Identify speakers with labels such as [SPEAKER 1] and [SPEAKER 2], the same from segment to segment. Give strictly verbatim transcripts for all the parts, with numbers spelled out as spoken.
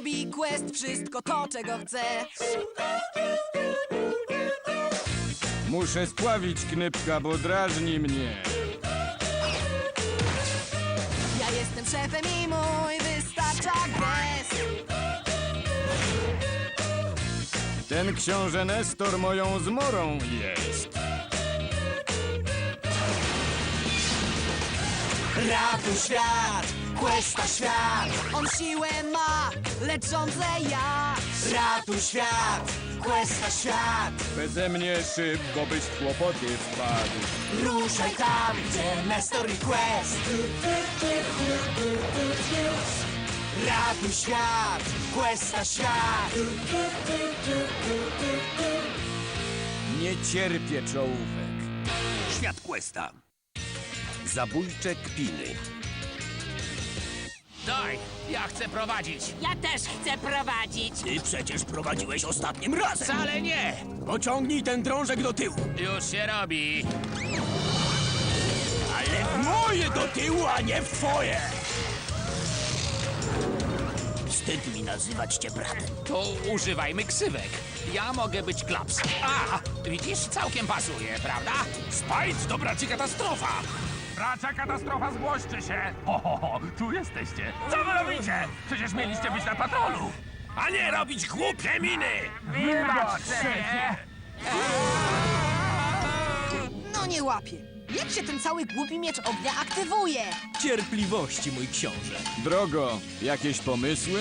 [SPEAKER 1] robi quest wszystko to, czego chce.
[SPEAKER 2] Muszę spławić Knypka, bo drażni mnie.
[SPEAKER 1] Ja jestem szefem i mój wystarcza gest.
[SPEAKER 2] Ten książę Nestor moją zmorą jest.
[SPEAKER 1] Ratuj świat, questa świat. On siłę ma, lecz rządzę ja. Ratuj świat, questa świat.
[SPEAKER 2] Beze mnie szybko byś w kłopoty wpadł.
[SPEAKER 1] Ruszaj tam, gdzie Nestor i quest. Ratuj świat, questa świat.
[SPEAKER 2] Nie cierpię czołówek.
[SPEAKER 3] Świat Questa. Zabójcze kpiny.
[SPEAKER 4] Daj, ja chcę prowadzić.
[SPEAKER 5] Ja też chcę prowadzić.
[SPEAKER 3] Ty przecież prowadziłeś ostatnim razem.
[SPEAKER 4] Wcale nie.
[SPEAKER 3] Pociągnij ten drążek do tyłu.
[SPEAKER 4] Już się robi.
[SPEAKER 3] Ale w moje do tyłu, a nie w twoje. Wstyd mi nazywać cię bratem.
[SPEAKER 4] To używajmy ksywek. Ja mogę być Klaps. A, widzisz, całkiem pasuje, prawda?
[SPEAKER 6] Spajc to braci katastrofa! Bracia katastrofa, zgłoście się! Ho, ho, ho, tu jesteście! Co wy robicie? Przecież mieliście być na patrolu! A nie robić głupie miny! Wybacz, szefie!
[SPEAKER 1] No nie łapie. Jak się ten cały głupi miecz ognia aktywuje?
[SPEAKER 3] Cierpliwości, mój książę.
[SPEAKER 2] Drogo, jakieś pomysły?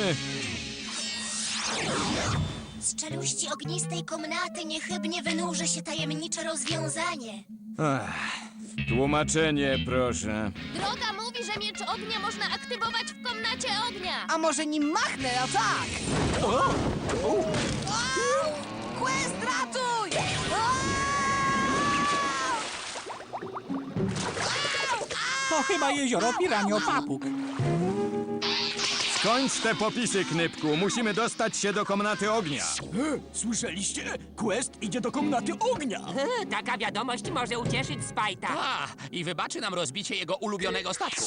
[SPEAKER 7] Z czeluści ognistej komnaty niechybnie wynurzy się tajemnicze rozwiązanie.
[SPEAKER 2] Tłumaczenie, proszę.
[SPEAKER 5] Droga mówi, że miecz ognia można aktywować w komnacie ognia.
[SPEAKER 1] A może nim machnę, a tak? Au! Quest, ratuj!
[SPEAKER 8] To chyba jezioro Piranio Papug.
[SPEAKER 2] Skończ te popisy, Knypku. Musimy dostać się do komnaty ognia.
[SPEAKER 3] Słyszeliście? Quest idzie do komnaty ognia.
[SPEAKER 5] Taka wiadomość może ucieszyć Spajta.
[SPEAKER 4] A, i wybaczy nam rozbicie jego ulubionego statku.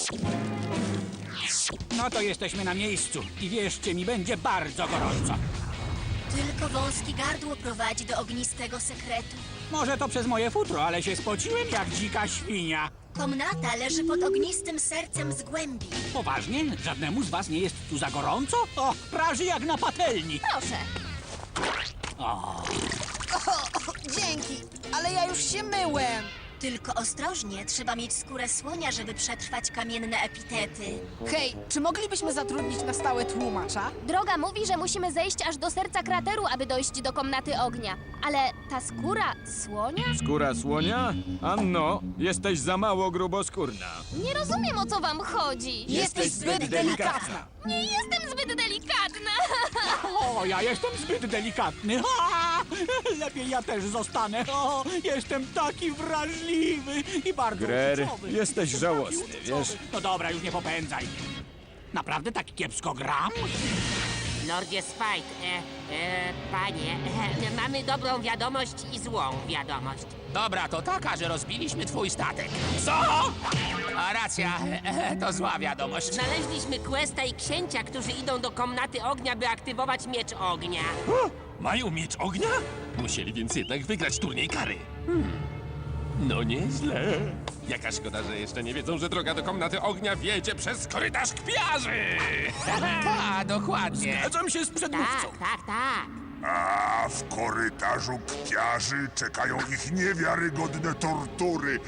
[SPEAKER 8] No to jesteśmy na miejscu i wierzcie mi, będzie bardzo gorąco.
[SPEAKER 7] Tylko wąskie gardło prowadzi do ognistego sekretu.
[SPEAKER 8] Może to przez moje futro, ale się spociłem jak dzika świnia.
[SPEAKER 7] Komnata leży pod ognistym sercem z głębi.
[SPEAKER 8] Poważnie? Żadnemu z was nie jest tu za gorąco? O, praży jak na patelni.
[SPEAKER 5] Proszę.
[SPEAKER 1] O, dzięki, ale ja już się myłem.
[SPEAKER 7] Tylko ostrożnie, trzeba mieć skórę słonia, żeby przetrwać kamienne epitety.
[SPEAKER 1] Hej, czy moglibyśmy zatrudnić na stałe tłumacza?
[SPEAKER 5] Droga mówi, że musimy zejść aż do serca krateru, aby dojść do komnaty ognia. Ale ta skóra słonia?
[SPEAKER 2] Skóra słonia? Anno, jesteś za mało gruboskórna.
[SPEAKER 5] Nie rozumiem, o co wam chodzi.
[SPEAKER 1] Jesteś zbyt delikatna.
[SPEAKER 5] Nie jestem zbyt delikatna.
[SPEAKER 8] O, ja jestem zbyt delikatny. Ha! Lepiej ja też zostanę. O, jestem taki wrażliwy i bardzo
[SPEAKER 2] Grer,
[SPEAKER 8] uczuciowy.
[SPEAKER 2] jesteś
[SPEAKER 8] Taki
[SPEAKER 2] żałosny,
[SPEAKER 8] uczuciowy.
[SPEAKER 2] wiesz?
[SPEAKER 8] No dobra, już nie popędzaj. Naprawdę tak kiepsko gram?
[SPEAKER 5] Lordzie Spajt, e, e, panie, e, mamy dobrą wiadomość i złą wiadomość.
[SPEAKER 4] Dobra, to taka, że rozbiliśmy twój statek. Co? A racja, e, to zła wiadomość.
[SPEAKER 5] Znaleźliśmy Questa i księcia, którzy idą do komnaty ognia, by aktywować miecz ognia.
[SPEAKER 6] Mają miecz ognia? Musieli więc jednak wygrać turniej kary. No nieźle. Jaka szkoda, że jeszcze nie wiedzą, że droga do komnaty ognia wiedzie przez korytarz kpiarzy!
[SPEAKER 4] Tak, dokładnie.
[SPEAKER 3] Zgadzam się z przedmówcą.
[SPEAKER 5] Tak, tak, tak.
[SPEAKER 9] A w korytarzu kpiarzy czekają ich niewiarygodne tortury.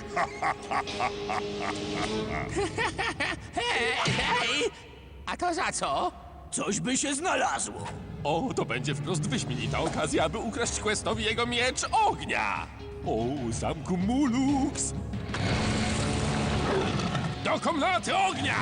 [SPEAKER 4] Hej, hej! A to za co?
[SPEAKER 3] Coś by się znalazło.
[SPEAKER 6] O, to będzie wprost wyśmienita okazja, aby ukraść Questowi jego miecz ognia! O, zamku Mulux! Do komnaty ognia!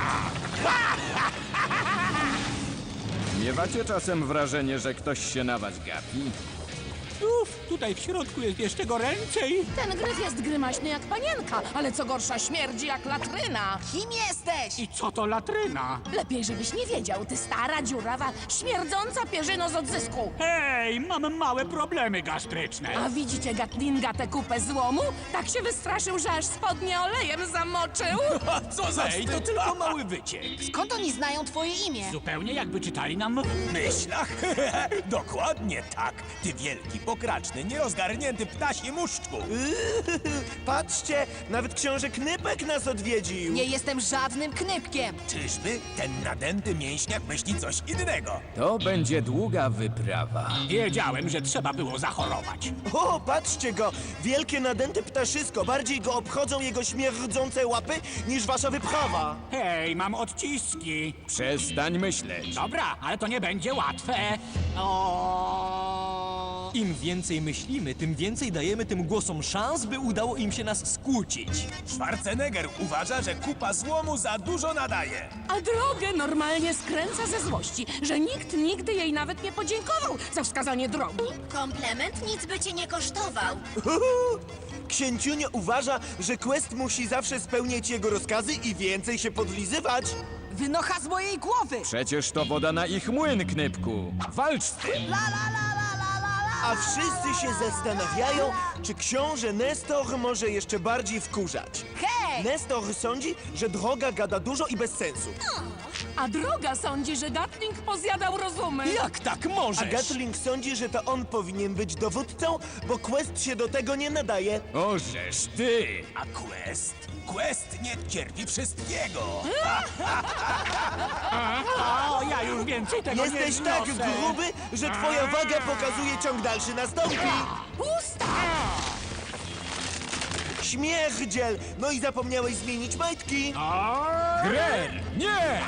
[SPEAKER 2] Miewacie czasem wrażenie, że ktoś się na was gapi?
[SPEAKER 8] Uf, tutaj w środku jest jeszcze goręcej.
[SPEAKER 10] Ten gryf jest grymaśny jak panienka, ale co gorsza śmierdzi jak latryna.
[SPEAKER 1] Kim jesteś?
[SPEAKER 8] I co to latryna?
[SPEAKER 10] Lepiej, żebyś nie wiedział, ty stara, dziurawa, śmierdząca pierzyno z odzysku.
[SPEAKER 8] Hej, mam małe problemy gastryczne.
[SPEAKER 10] A widzicie Gatlinga tę kupę złomu? Tak się wystraszył, że aż spodnie olejem zamoczył.
[SPEAKER 3] A co za
[SPEAKER 8] Ej, to tylko mały wyciek.
[SPEAKER 1] Skąd oni znają twoje imię?
[SPEAKER 8] Zupełnie jakby czytali nam w
[SPEAKER 3] myślach? Dokładnie tak. Ty wielki, pokraczny, nierozgarnięty ptasi muszczku.
[SPEAKER 11] Patrzcie, nawet książę Knypek nas odwiedził.
[SPEAKER 1] Nie jestem żadnym knypkiem.
[SPEAKER 3] Czyżby ten nadęty mięśniak myśli coś innego?
[SPEAKER 2] To będzie długa wyprawa.
[SPEAKER 8] Wiedziałem, że trzeba było zachorować.
[SPEAKER 11] O, patrzcie go! Wielkie nadęte ptaszysko. Bardziej go obchodzą jego śmierdzące łapy niż wasza wyprawa.
[SPEAKER 8] Hej, mam odciski.
[SPEAKER 2] Przestań myśleć.
[SPEAKER 8] Dobra, ale to nie będzie łatwe. O...
[SPEAKER 3] Im więcej myślimy, tym więcej dajemy tym głosom szans, by udało im się nas skłócić. Schwarzenegger uważa, że kupa złomu za dużo nadaje.
[SPEAKER 10] A drogę normalnie skręca ze złości, że nikt nigdy jej nawet nie podziękował za wskazanie drogi.
[SPEAKER 7] Komplement nic by cię nie kosztował.
[SPEAKER 11] Uhu. Księciunio uważa, że Quest musi zawsze spełniać jego rozkazy i więcej się podlizywać.
[SPEAKER 1] Wynocha z mojej głowy.
[SPEAKER 2] Przecież to woda na ich młyn, Knypku. Walcz z tym.
[SPEAKER 1] La la la la la la la.
[SPEAKER 11] A wszyscy się zastanawiają, czy książę Nestor może jeszcze bardziej wkurzać.
[SPEAKER 1] Hej!
[SPEAKER 11] Nestor sądzi, że droga gada dużo i bez sensu.
[SPEAKER 10] A droga sądzi, że Gatling pozjadał rozumy.
[SPEAKER 3] Jak tak
[SPEAKER 11] A
[SPEAKER 3] możesz?
[SPEAKER 11] Gatling sądzi, że to on powinien być dowódcą, bo Quest się do tego nie nadaje.
[SPEAKER 2] Ożeż ty.
[SPEAKER 3] A Quest? Quest nie cierpi wszystkiego.
[SPEAKER 8] O, ja już więcej tego nie
[SPEAKER 11] Jesteś tak
[SPEAKER 8] znoszę.
[SPEAKER 11] gruby, że twoja waga pokazuje ciąg dalszy nastąpi.
[SPEAKER 10] Pusta!
[SPEAKER 11] Śmierdziel! No i zapomniałeś zmienić majtki.
[SPEAKER 2] Grer! Nie!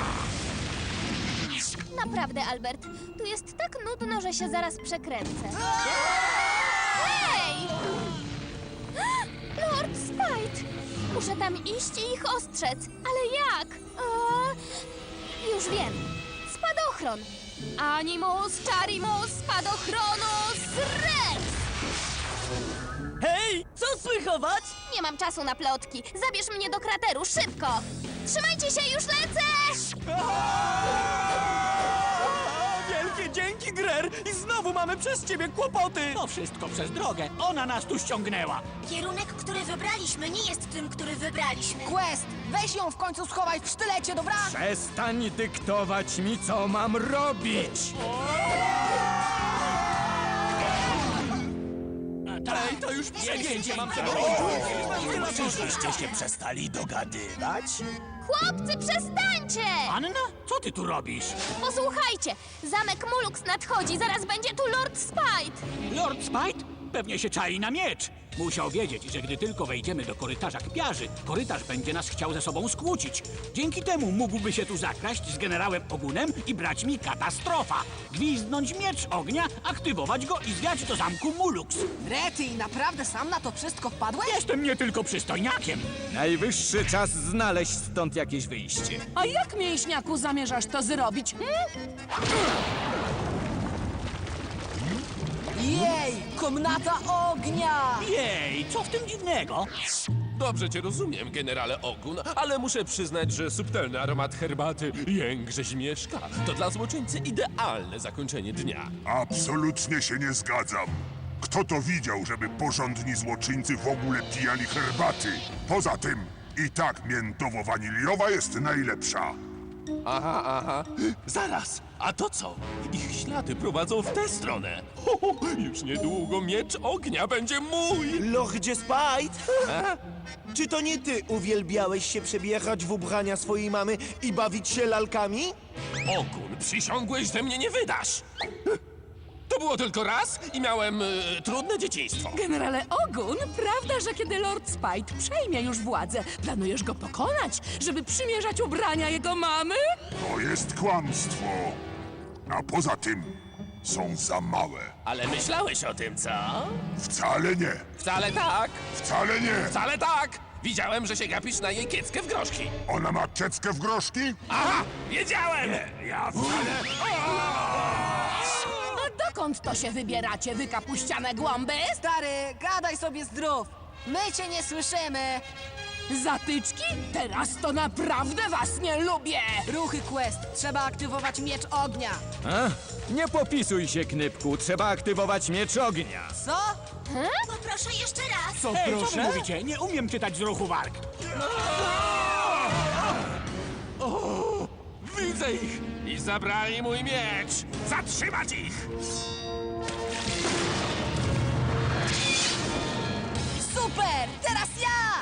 [SPEAKER 7] Naprawdę, Albert, tu jest tak nudno, że się zaraz przekręcę. Hej! Lord Spite! Muszę tam iść i ich ostrzec. Ale jak? O, już wiem. Spadochron. Animus, Charimus, Spadochronus, Rex!
[SPEAKER 1] Hej, co słychować?
[SPEAKER 7] Nie mam czasu na plotki. Zabierz mnie do krateru, szybko! Trzymajcie się, już lecę!
[SPEAKER 3] Wielkie dzięki, Grer! I znowu mamy przez ciebie kłopoty!
[SPEAKER 8] To wszystko przez drogę. Ona nas tu ściągnęła.
[SPEAKER 7] Kierunek, który wybraliśmy, nie jest tym, który wybraliśmy.
[SPEAKER 1] Quest, weź ją w końcu schowaj w sztylecie, dobra?
[SPEAKER 2] Przestań dyktować mi, co mam robić.
[SPEAKER 3] Ej, to już przegięcie mam tego. Czyżbyście się przestali dogadywać?
[SPEAKER 7] Chłopcy, przestańcie!
[SPEAKER 8] Anna, co ty tu robisz?
[SPEAKER 7] Posłuchajcie, zamek Mulux nadchodzi, zaraz będzie tu Lord Spite.
[SPEAKER 8] Lord Spite? Pewnie się czai na miecz. Musiał wiedzieć, że gdy tylko wejdziemy do korytarza kpiarzy, korytarz będzie nas chciał ze sobą skłócić. Dzięki temu mógłby się tu zakraść z generałem Ogunem i braćmi Katastrofa. Gwizdnąć miecz ognia, aktywować go i zwiać do zamku Mulux.
[SPEAKER 1] Rety, naprawdę sam na to wszystko wpadłeś?
[SPEAKER 8] Jestem nie tylko przystojniakiem.
[SPEAKER 2] Najwyższy czas znaleźć stąd jakieś wyjście.
[SPEAKER 10] A jak, mięśniaku, zamierzasz to zrobić? Hmm?
[SPEAKER 1] Jej, komnata ognia!
[SPEAKER 8] Jej, co w tym dziwnego?
[SPEAKER 6] Dobrze cię rozumiem, generale Ogun, ale muszę przyznać, że subtelny aromat herbaty jęk rzeźmieszka to dla złoczyńcy idealne zakończenie dnia.
[SPEAKER 9] Absolutnie się nie zgadzam. Kto to widział, żeby porządni złoczyńcy w ogóle pijali herbaty? Poza tym, i tak miętowo-waniliowa jest najlepsza.
[SPEAKER 6] Aha, aha. Zaraz, a to co? Ich ślady prowadzą w tę stronę. Ho, ho, już niedługo miecz ognia będzie mój.
[SPEAKER 11] Lordzie Spite? Czy to nie ty uwielbiałeś się przebierać w ubrania swojej mamy i bawić się lalkami?
[SPEAKER 6] Ogun, przysiągłeś, że mnie nie wydasz. To było tylko raz i miałem y, trudne dzieciństwo.
[SPEAKER 10] Generale Ogun, prawda, że kiedy Lord Spite przejmie już władzę, planujesz go pokonać, żeby przymierzać ubrania jego mamy?
[SPEAKER 9] To jest kłamstwo. A poza tym są za małe.
[SPEAKER 6] Ale myślałeś o tym, co?
[SPEAKER 9] Wcale nie.
[SPEAKER 6] Wcale tak,
[SPEAKER 9] Wcale nie.
[SPEAKER 6] wcale tak. Widziałem, że się gapisz na jej kieckę w groszki.
[SPEAKER 9] Ona ma kieckę w groszki?
[SPEAKER 6] Aha, wiedziałem!
[SPEAKER 9] Ja wcale...
[SPEAKER 10] A Dokąd to się wybieracie, wy kapuściane głąby?
[SPEAKER 1] Stary, gadaj sobie zdrów. My cię nie słyszymy.
[SPEAKER 10] Zatyczki? Teraz to naprawdę was nie lubię!
[SPEAKER 1] Ruchy Quest. Trzeba aktywować miecz ognia.
[SPEAKER 2] A? Nie popisuj się, Knypku. Trzeba aktywować miecz ognia.
[SPEAKER 1] Co?
[SPEAKER 5] Poproszę jeszcze raz.
[SPEAKER 3] Co,
[SPEAKER 8] Ej, co wy
[SPEAKER 3] proszę?
[SPEAKER 8] mówicie? Nie umiem czytać z ruchu warg.
[SPEAKER 6] Widzę ich! I zabrali mój miecz! Zatrzymać ich!
[SPEAKER 1] Super! Teraz ja!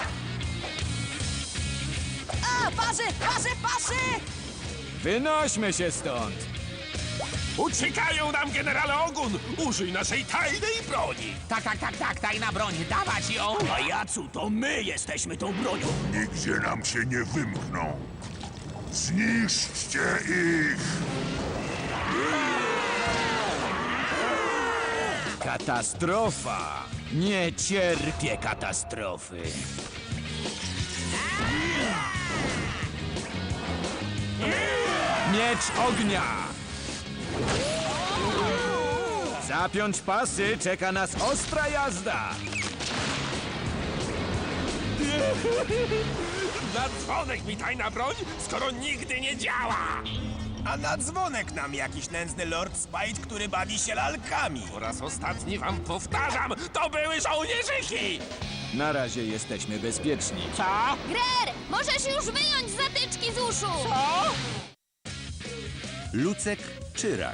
[SPEAKER 1] A, parzy, parzy, parzy!
[SPEAKER 2] Wynośmy się stąd.
[SPEAKER 6] Uciekają nam, generale Ogun! Użyj naszej tajnej broni!
[SPEAKER 4] Tak, tak, tak, tak, tajna broń, dawać ją!
[SPEAKER 8] Pajacu, to my jesteśmy tą bronią.
[SPEAKER 9] Nigdzie nam się nie wymkną. Zniszczcie ich!
[SPEAKER 2] Katastrofa. Nie cierpię katastrofy. Miecz ognia! Zapiąć pasy, czeka nas ostra jazda!
[SPEAKER 6] Na dzwonek mi tajna broń, skoro nigdy nie działa!
[SPEAKER 3] A na dzwonek nam jakiś nędzny Lord Spite, który bawi się lalkami.
[SPEAKER 6] Po raz ostatni wam powtarzam, to były żołnierzyki!
[SPEAKER 2] Na razie jesteśmy bezpieczni.
[SPEAKER 8] Co?
[SPEAKER 7] Grer, możesz już wyjąć zatyczki z uszu!
[SPEAKER 11] Lucek czy rak?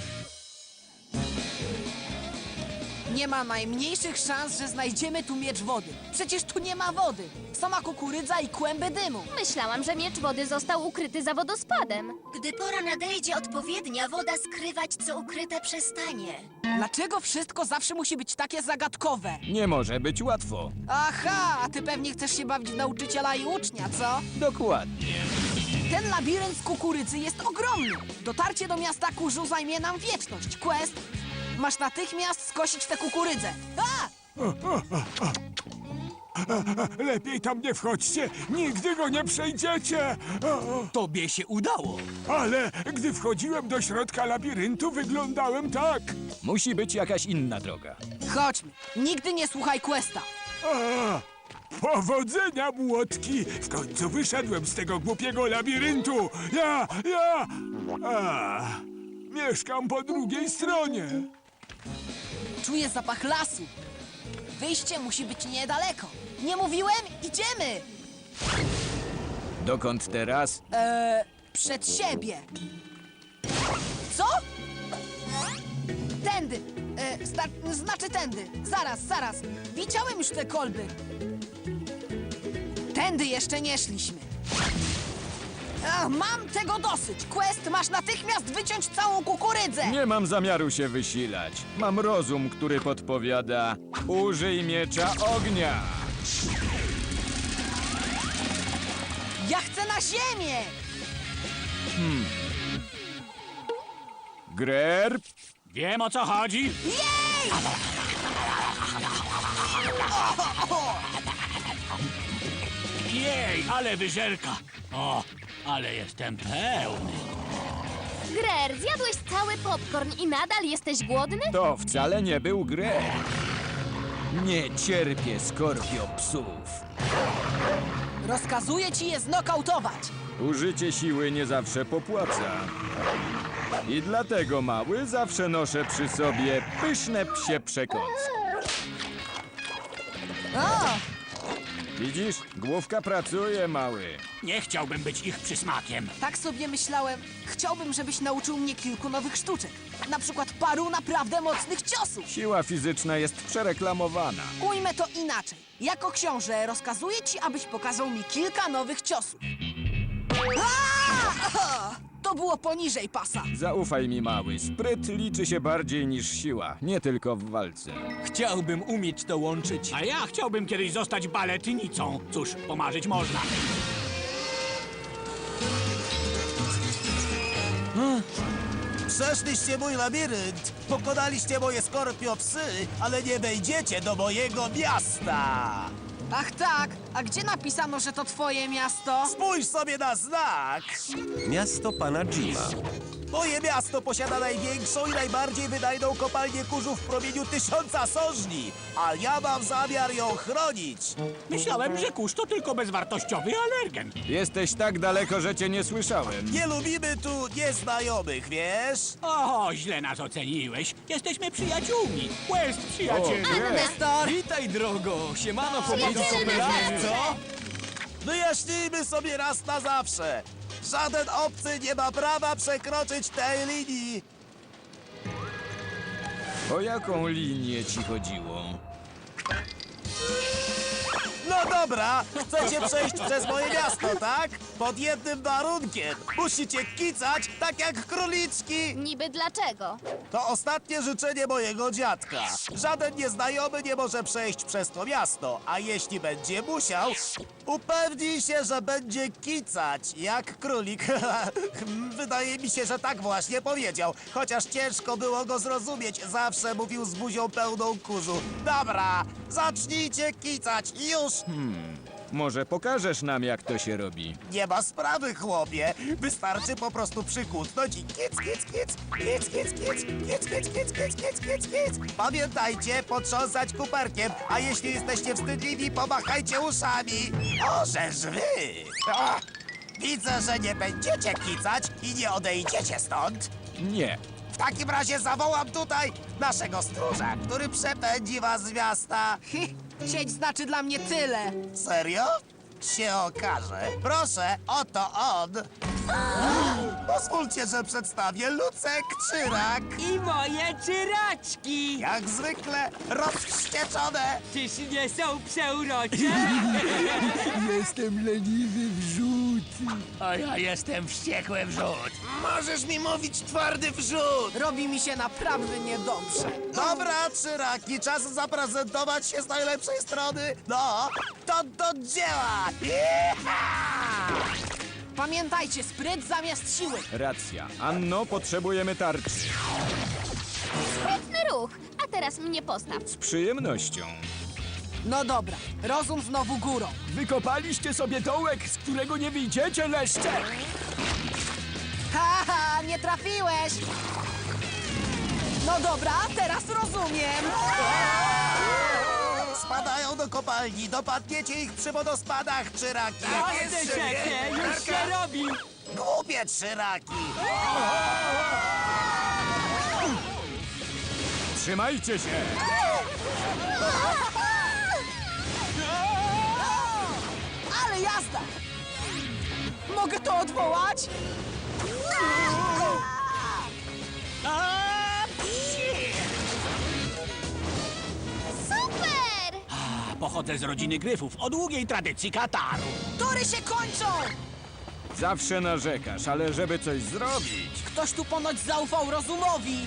[SPEAKER 1] Nie ma najmniejszych szans, że znajdziemy tu miecz wody. Przecież tu nie ma wody. Sama kukurydza i kłęby dymu.
[SPEAKER 7] Myślałam, że miecz wody został ukryty za wodospadem.
[SPEAKER 5] Gdy pora nadejdzie odpowiednia, woda skrywać, co ukryte przestanie.
[SPEAKER 1] Dlaczego wszystko zawsze musi być takie zagadkowe?
[SPEAKER 2] Nie może być łatwo.
[SPEAKER 1] Aha, a ty pewnie chcesz się bawić w nauczyciela i ucznia, co?
[SPEAKER 2] Dokładnie.
[SPEAKER 1] Ten labirynt z kukurydzy jest ogromny. Dotarcie do miasta kurzu zajmie nam wieczność. Quest, masz natychmiast skosić tę kukurydzę. A!
[SPEAKER 12] Lepiej tam nie wchodźcie, nigdy go nie przejdziecie. O,
[SPEAKER 8] Tobie się udało.
[SPEAKER 12] ale gdy wchodziłem do środka labiryntu, wyglądałem tak.
[SPEAKER 2] Musi być jakaś inna droga.
[SPEAKER 1] Chodźmy. Nigdy nie słuchaj Questa.
[SPEAKER 12] A, powodzenia, młotki! W końcu wyszedłem z tego głupiego labiryntu. Ja, ja... A, mieszkam po drugiej stronie.
[SPEAKER 1] Czuję zapach lasu. Wyjście musi być niedaleko. Nie mówiłem? Idziemy!
[SPEAKER 2] Dokąd teraz?
[SPEAKER 1] Eee, przed siebie. Co? Tędy. E, zna- znaczy tędy. Zaraz, zaraz. Widziałem już te kolby. Tędy jeszcze nie szliśmy. Ach, mam tego dosyć. Quest, masz natychmiast wyciąć całą kukurydzę.
[SPEAKER 2] Nie mam zamiaru się wysilać. Mam rozum, który podpowiada: użyj miecza ognia.
[SPEAKER 1] Ja chcę na ziemię.
[SPEAKER 2] Grer,
[SPEAKER 8] Wiem, o co chodzi.
[SPEAKER 1] Jej!
[SPEAKER 8] Jej, ale wyżerka. O, ale jestem pełny.
[SPEAKER 7] Grer, zjadłeś cały popcorn i nadal jesteś głodny?
[SPEAKER 2] to wcale nie był Grer. Nie cierpię skorpiopsów.
[SPEAKER 1] Rozkazuję ci je znokautować.
[SPEAKER 2] Użycie siły nie zawsze popłaca. I dlatego, mały, zawsze noszę przy sobie pyszne psie przekąski.
[SPEAKER 1] O!
[SPEAKER 2] Widzisz? Główka pracuje, mały.
[SPEAKER 8] Nie chciałbym być ich przysmakiem.
[SPEAKER 1] Tak sobie myślałem. Chciałbym, żebyś nauczył mnie kilku nowych sztuczek. Na przykład paru naprawdę mocnych ciosów.
[SPEAKER 2] Siła fizyczna jest przereklamowana.
[SPEAKER 1] Ujmę to inaczej. Jako książę rozkazuję ci, abyś pokazał mi kilka nowych ciosów. Aaa! To było poniżej pasa.
[SPEAKER 2] Zaufaj mi, mały. Spryt liczy się bardziej niż siła, nie tylko w walce.
[SPEAKER 3] Chciałbym umieć to łączyć.
[SPEAKER 8] A ja chciałbym kiedyś zostać baletnicą. Cóż, pomarzyć można.
[SPEAKER 11] Przeszliście mój labirynt, pokonaliście moje skorpiopsy, ale nie wejdziecie do mojego miasta.
[SPEAKER 1] Ach tak, A gdzie napisano, że to twoje miasto?
[SPEAKER 11] Spójrz sobie na znak! Miasto pana Jima. Moje miasto posiada największą i najbardziej wydajną kopalnię kurzu w promieniu tysiąca sożni, a ja mam zamiar ją chronić.
[SPEAKER 8] Myślałem, że kurz to tylko bezwartościowy alergen.
[SPEAKER 2] Jesteś tak daleko, że cię nie słyszałem.
[SPEAKER 11] Nie lubimy tu nieznajomych, wiesz?
[SPEAKER 8] O, źle nas oceniłeś. Jesteśmy przyjaciółmi. Quest, przyjacielu.
[SPEAKER 2] O, Greg.
[SPEAKER 1] Nestor!
[SPEAKER 3] Witaj, drogo! Siemano, powiedz
[SPEAKER 11] Co? Wyjaśnijmy sobie raz na zawsze. Żaden obcy nie ma prawa przekroczyć tej linii.
[SPEAKER 2] O jaką linię ci chodziło?
[SPEAKER 11] No dobra, chcecie przejść przez moje miasto, tak? Pod jednym warunkiem. Musicie kicać tak jak króliczki.
[SPEAKER 7] Niby dlaczego?
[SPEAKER 11] To ostatnie życzenie mojego dziadka. Żaden nieznajomy nie może przejść przez to miasto, a jeśli będzie musiał, upewnij się, że będzie kicać jak królik. Wydaje mi się, że tak właśnie powiedział, chociaż ciężko było go zrozumieć. Zawsze mówił z buzią pełną kurzu. Dobra, zacznijcie kicać, już!
[SPEAKER 2] Może pokażesz nam, jak to się robi?
[SPEAKER 11] Nie ma sprawy, chłopie. Wystarczy po prostu przykutnąć i kic, kic, kic, kic, kic, kic, kic, kic, kic, kic, kic, kic, kic. Pamiętajcie, potrząsać kuperkiem, a jeśli jesteście wstydliwi, pomachajcie uszami. O, żeż wy! O, widzę, że nie będziecie kicać i nie odejdziecie stąd.
[SPEAKER 2] Nie.
[SPEAKER 11] W takim razie zawołam tutaj naszego stróża, który przepędzi was z miasta.
[SPEAKER 1] Sieć znaczy dla mnie tyle.
[SPEAKER 11] Serio? Się okaże. Proszę, oto on. Pozwólcie, że przedstawię Lucek Czyrak.
[SPEAKER 1] I moje czyraczki!
[SPEAKER 11] Jak zwykle rozwścieczone.
[SPEAKER 1] Czyż nie są przeurocze?
[SPEAKER 12] Jestem leniwy wrzód.
[SPEAKER 4] A ja jestem wściekły wrzód.
[SPEAKER 11] Możesz mi mówić twardy wrzód.
[SPEAKER 1] Robi mi się naprawdę niedobrze.
[SPEAKER 11] Dobra, Czyraki, czas zaprezentować się z najlepszej strony. No, to do dzieła. Jecha!
[SPEAKER 1] Pamiętajcie, spryt zamiast siły.
[SPEAKER 2] Racja. Anno, potrzebujemy tarczy.
[SPEAKER 7] Sprytny ruch. A teraz mnie postaw.
[SPEAKER 2] Z przyjemnością.
[SPEAKER 1] No dobra, rozum znowu górą.
[SPEAKER 12] Wykopaliście sobie dołek, z którego nie wyjdziecie, leszcze!
[SPEAKER 1] Haha, nie trafiłeś! No dobra, teraz rozumiem.
[SPEAKER 11] Spadają do kopalni, dopadniecie ich przy wodospadach, Czyraki.
[SPEAKER 1] już się robi.
[SPEAKER 11] Głupie Czyraki.
[SPEAKER 2] Trzymajcie się!
[SPEAKER 1] Ale jazda! Mogę to odwołać?
[SPEAKER 7] Super!
[SPEAKER 8] Pochodzę z rodziny Gryfów o długiej tradycji Kataru.
[SPEAKER 1] Tury się kończą!
[SPEAKER 2] Zawsze narzekasz, ale żeby coś zrobić...
[SPEAKER 1] Ktoś tu ponoć zaufał rozumowi.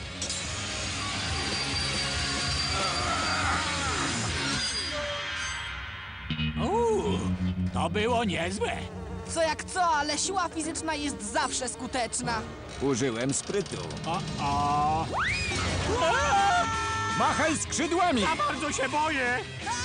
[SPEAKER 8] Uuu, to było niezłe.
[SPEAKER 1] Co jak co, ale siła fizyczna jest zawsze skuteczna.
[SPEAKER 2] Użyłem sprytu.
[SPEAKER 8] O, o.
[SPEAKER 2] Machaj skrzydłami!
[SPEAKER 8] Ja bardzo się boję.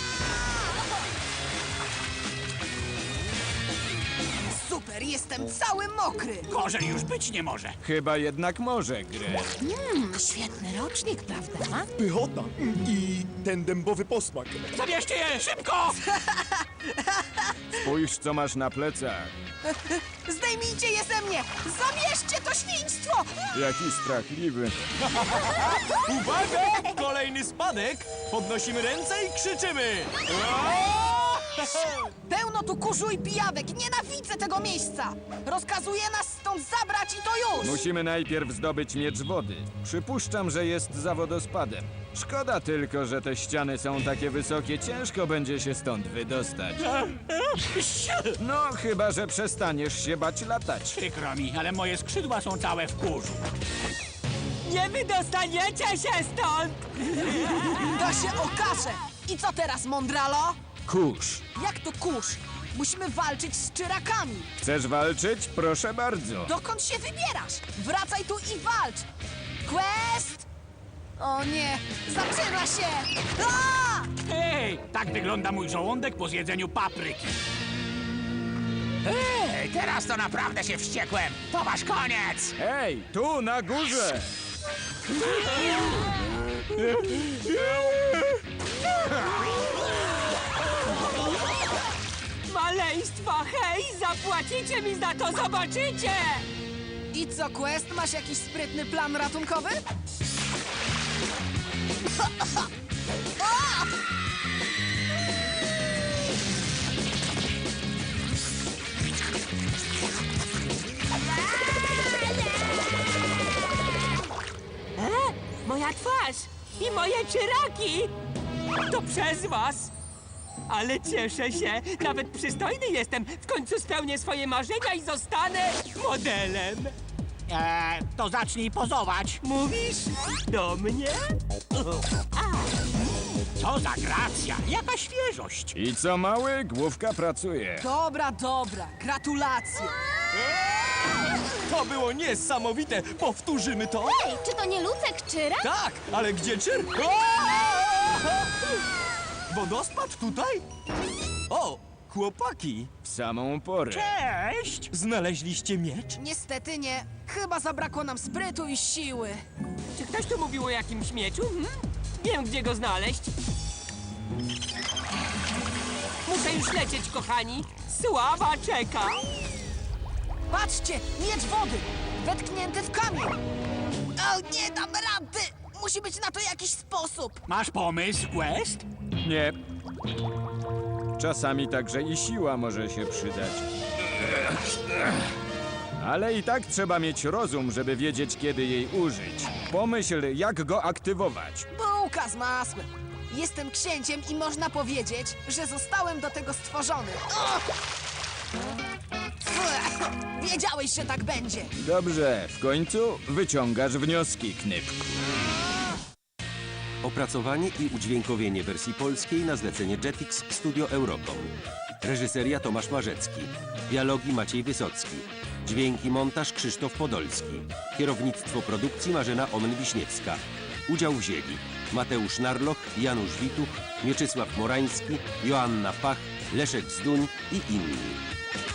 [SPEAKER 1] Super, jestem cały mokry.
[SPEAKER 8] Gorzej już być nie może.
[SPEAKER 2] Chyba jednak może, Greg.
[SPEAKER 10] Świetny rocznik, prawda?
[SPEAKER 11] Pychota i ten dębowy posmak.
[SPEAKER 8] Zabierzcie je, szybko!
[SPEAKER 2] Spójrz, co masz na plecach.
[SPEAKER 1] Zdejmijcie je ze mnie! Zabierzcie to świństwo!
[SPEAKER 2] Jaki strachliwy.
[SPEAKER 3] Uwaga! Kolejny spadek! Podnosimy ręce i krzyczymy!
[SPEAKER 1] Pełno tu kurzu i pijawek! Nienawidzę tego miejsca! Rozkazuję nas stąd zabrać i to już!
[SPEAKER 2] Musimy najpierw zdobyć miecz wody. Przypuszczam, że jest za wodospadem. Szkoda tylko, że te ściany są takie wysokie, ciężko będzie się stąd wydostać. No, chyba że przestaniesz się bać latać.
[SPEAKER 8] Przykro mi, ale moje skrzydła są całe w kurzu.
[SPEAKER 1] Nie wydostaniecie się stąd! To się okaże! I co teraz, mądralo?
[SPEAKER 2] Kurz.
[SPEAKER 1] Jak to kurz? Musimy walczyć z czyrakami!
[SPEAKER 2] Chcesz walczyć? Proszę bardzo.
[SPEAKER 1] Dokąd się wybierasz? Wracaj tu i walcz! Quest! O nie, zaczyna się! A!
[SPEAKER 8] Hej, tak wygląda mój żołądek po zjedzeniu papryki.
[SPEAKER 4] Ej, teraz to naprawdę się wściekłem. To wasz koniec.
[SPEAKER 2] Hej, tu na górze!
[SPEAKER 10] Maleństwa, hej! Zapłacicie mi za to, zobaczycie!
[SPEAKER 1] I co, Quest? Masz jakiś sprytny plan ratunkowy?
[SPEAKER 10] E? Moja twarz i moje czyraki! To przez was! Ale cieszę się, nawet przystojny jestem. W końcu spełnię swoje marzenia i zostanę modelem.
[SPEAKER 8] Eee, to zacznij pozować.
[SPEAKER 10] Mówisz do mnie?
[SPEAKER 8] Co za gracja, jaka świeżość.
[SPEAKER 2] I co mały, główka pracuje.
[SPEAKER 1] Dobra, dobra, gratulacje!
[SPEAKER 3] To było niesamowite! Powtórzymy to?
[SPEAKER 7] Ej, czy to nie Lucek Czyra?
[SPEAKER 3] Tak, ale gdzie czyr? Wodospad tutaj? O, chłopaki!
[SPEAKER 2] W samą porę.
[SPEAKER 8] Cześć!
[SPEAKER 3] Znaleźliście miecz?
[SPEAKER 1] Niestety nie. Chyba zabrakło nam sprytu i siły.
[SPEAKER 10] Czy ktoś tu mówił o jakimś mieczu? Hmm? Wiem, gdzie go znaleźć. Muszę już lecieć, kochani. Sława czeka.
[SPEAKER 1] Patrzcie, miecz wody! Wetknięty w kamień! O, nie dam rady! Musi być na to jakiś sposób!
[SPEAKER 8] Masz pomysł, Quest?
[SPEAKER 2] Nie. Czasami także i siła może się przydać. Ale i tak trzeba mieć rozum, żeby wiedzieć, kiedy jej użyć. Pomyśl, jak go aktywować.
[SPEAKER 1] Bułka z masłem! Jestem księciem i można powiedzieć, że zostałem do tego stworzony. O! Fuh, wiedziałeś, że tak będzie!
[SPEAKER 2] Dobrze, w końcu wyciągasz wnioski, Knypku.
[SPEAKER 13] Opracowanie i udźwiękowienie wersji polskiej na zlecenie Jetix Studio Eurocom. Reżyseria Tomasz Marzecki. Dialogi Maciej Wysocki. Dźwięki montaż Krzysztof Podolski. Kierownictwo produkcji Marzena Omen-Wiśniewska. Udział wzięli Mateusz Narloch, Janusz Wituch, Mieczysław Morański, Joanna Pach, Leszek Zduń i inni.